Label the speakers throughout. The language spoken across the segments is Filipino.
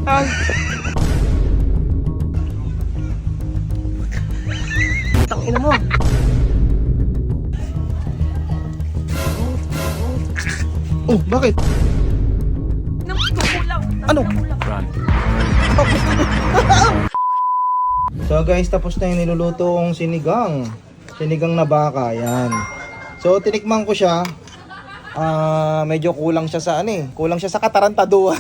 Speaker 1: Tangina mo.
Speaker 2: Oh, bakit? Ano? So guys, tapos na yung niluluto kong sinigang. Sinigang na baka, yan. So tinikman ko siya. Medyo kulang siya sa ano eh. Kulang siya sa katarantaduhan.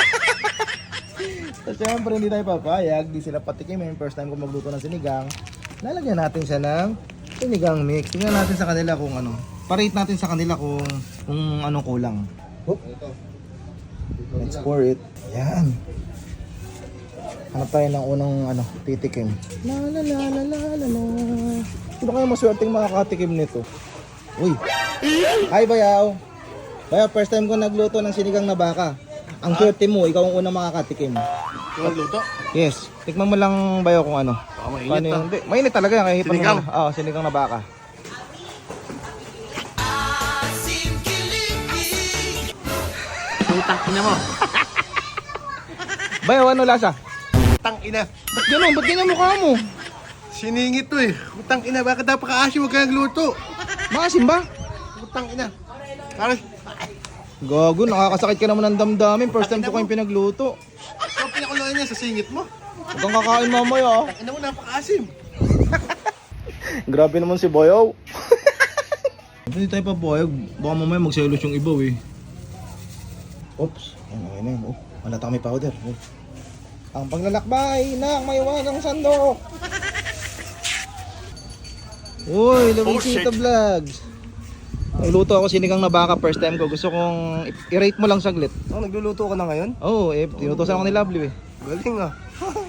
Speaker 2: So syempre hindi tayo papayag. Di sila patikimin. First time ko magluto ng sinigang. Lalagyan natin siya ng sinigang mix. Tingnan natin sa kanila kung ano. Parate natin sa kanila kung anong kulang. Oop. Let's pour it. Yan. Hanap tayo ng unang titikim. La la la la la la la. Sino kaya maswerteng makakatikim nito? Uy. Hi Bayaw. Bayaw, first time ko nagluto ng sinigang na baka. Ang swerte mo, ikaw ang unang makakatikim.
Speaker 1: Nagluto?
Speaker 2: Yes. Tikman mo lang Bayaw kung ano.
Speaker 1: Mainit
Speaker 2: Hindi. Mainit talaga yan. Kahit
Speaker 1: sinigang?
Speaker 2: Oo, sinigang na baka.
Speaker 1: Putang ina mo.
Speaker 2: Bayaw, ano lasa?
Speaker 1: Putang ina.
Speaker 2: Ba't gano'n? Ba't ganyan mukha mo?
Speaker 1: Siningit to eh. Putang ina, bakit napaka-asim huwag ka nagluto?
Speaker 2: Maasim ba?
Speaker 1: Putang ina. Parang,
Speaker 2: Gago, nakakasakit ka naman ng damdamin. First time ko kayong pinagluto.
Speaker 1: ikaw pinakuloy niya sa singit mo.
Speaker 2: Huwag kang kakain mamaya.
Speaker 1: Ina mo, napaka-asim.
Speaker 2: Grabe naman si Bayaw. Hindi tayo papayag. Baka mamaya magselos yung iba eh. Oops. Ayun na yun. Oh, malata kami powder. Oh. Ang paglalakbay ng mayawagang sandok. Uy, Luisito Vlogs. Nagluto ako sinigang na baka first time ko. Gusto kong i-rate mo lang saglit.
Speaker 1: Oh, nagluluto ka na ngayon?
Speaker 2: Oo, tinutosan ako ni Lovely eh.
Speaker 1: Galing ah.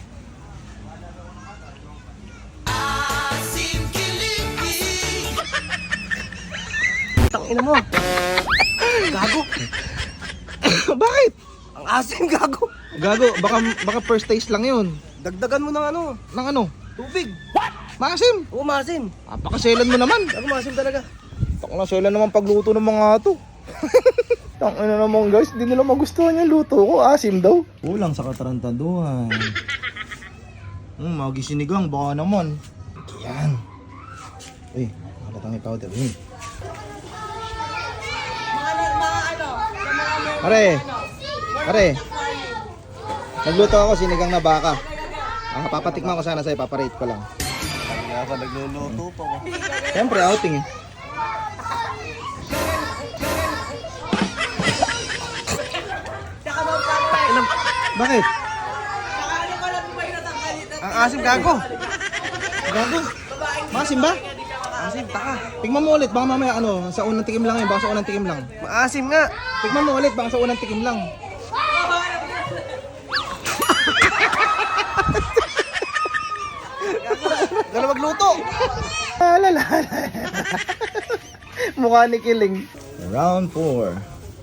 Speaker 1: Putang ina mo. Gago.
Speaker 2: Bakit?
Speaker 1: Ang asim, gago.
Speaker 2: Gago, baka first taste lang yun.
Speaker 1: Dagdagan mo ng ano,
Speaker 2: Nang ano?
Speaker 1: tubig.
Speaker 2: Maasim.
Speaker 1: Oo, maasim.
Speaker 2: Napakaselan mo naman.
Speaker 1: Gago, maasim talaga.
Speaker 2: Takla selan naman pagluto ng mga to. Tangina naman guys, di nila magustuhan yung luto ko. Asim daw. Kulang sa katarantaduhan. Magisinigang, baka naman. Yan. Uy, malatang may powder. Pare. Nagluto ako sinigang na baka. Papatikman ko sana sa'yo, paparate ko lang.
Speaker 1: Kaya ka nagluluto pa ko.
Speaker 2: Siyempre, outing eh. Bakit?
Speaker 1: Ang asim, gago.
Speaker 2: Gago? Maasim ba?
Speaker 1: Asim, taka.
Speaker 2: Tignan mo ulit, baka mamaya sa unang tikim lang yun, baka sa unang tikim lang.
Speaker 1: Maasim nga.
Speaker 2: Tignan mo ulit, baka sa unang tikim lang.
Speaker 1: Gano'n magluto.
Speaker 2: Alala. Mukha ni Kiling. Round 4.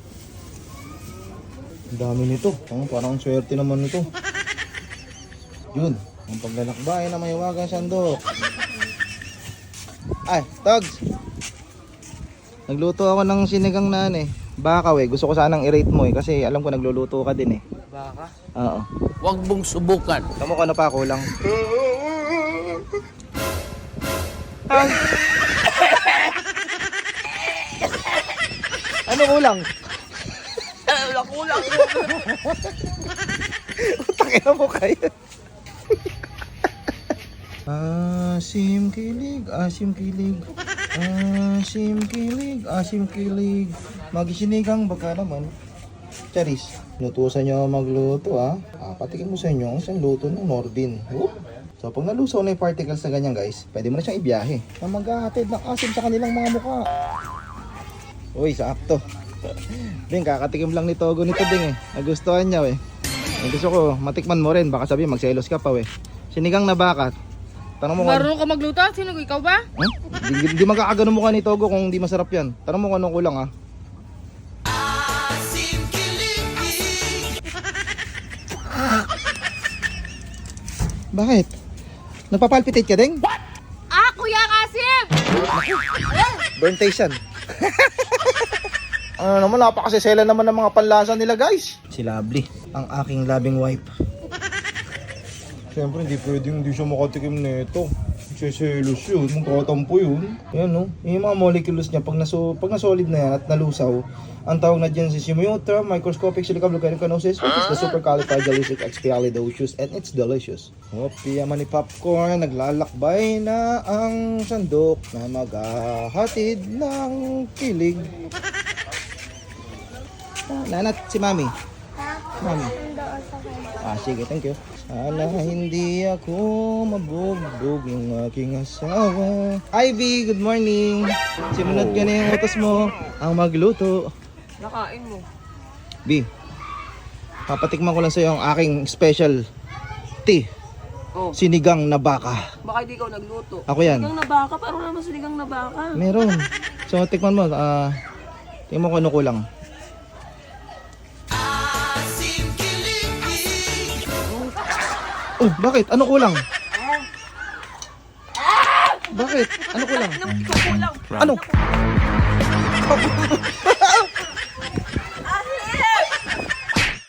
Speaker 2: Ang dami nito. Parang ang swerte naman nito. Yun. Ang paglalakbay na mayawagang sandok. Ay, Togs. Nagluto ako ng sinigang na baka gusto ko sanang i-rate mo kasi alam ko nagluluto ka din
Speaker 1: Baka?
Speaker 2: Oo.
Speaker 3: Huwag mong subukan.
Speaker 2: Tamo ko ano pa kulang. Ano kulang?
Speaker 1: Kulang.
Speaker 2: Utangin mo kayo. Asim kilig, asim kilig. Asim kilig, asim kilig. Magisinigang baka naman. Charis, lutusan nyo magluto patikin mo sa inyo ang isang luto ng Nordin. So pag nalusaw na yung particles na ganyan guys, pwede mo na siyang ibiyahe. Na maghahatid ng asim sa kanilang mga mukha. Uy, sakto. Ding, kakatikim lang ni Togo nito ding nagustuhan niya Gusto ko matikman mo rin, baka sabi magselos ka pa Sinigang na baka. Tanong mo
Speaker 4: Marunong ka magluto? Sino ikaw ba?
Speaker 2: Hindi magkakagano mukha ni Togo kung hindi masarap yan. Tanong mo kung anong kulang Bakit? Nagpapalpitate ka ding?
Speaker 4: What? Kuya Kasim!
Speaker 2: Burn taste yan. Ano naman, napakasisela naman ng mga panlasa nila guys. Si Lovely, ang aking loving wife. Siyempre hindi pwedeng hindi siya makatikim nito. Seselos yun, magkatampo yun. Yan no, yung mga molecules niya pag nasolid na yan at nalusaw, ang tawag na dyan si Simiota, microscopic silica volcanicanosis, which is the supercalifragilisticexpialidocious, and it's delicious. Hopi, yaman ni popcorn, naglalakbay na ang sandok na maghahatid ng kilig. Nanat, si Mami. Mami. Sige, thank you. Sana hindi ako mabugbog ng aking asawa. Ivy, good morning. Simunod ka na yung utos mo ang magluto.
Speaker 4: Nakain mo.
Speaker 2: B, papatikman ko lang sa'yo ang aking special tea.
Speaker 4: Oh.
Speaker 2: Sinigang na baka.
Speaker 4: Baka di ikaw nagluto.
Speaker 2: Ako yan.
Speaker 4: Sinigang na baka? Parang naman sinigang na baka.
Speaker 2: Meron. So, tikman mo. Tingnan mo kung ano kulang. Oh, bakit? Ano kulang? Bakit? Ano kulang?
Speaker 4: Ikaw kulang.
Speaker 2: Ano?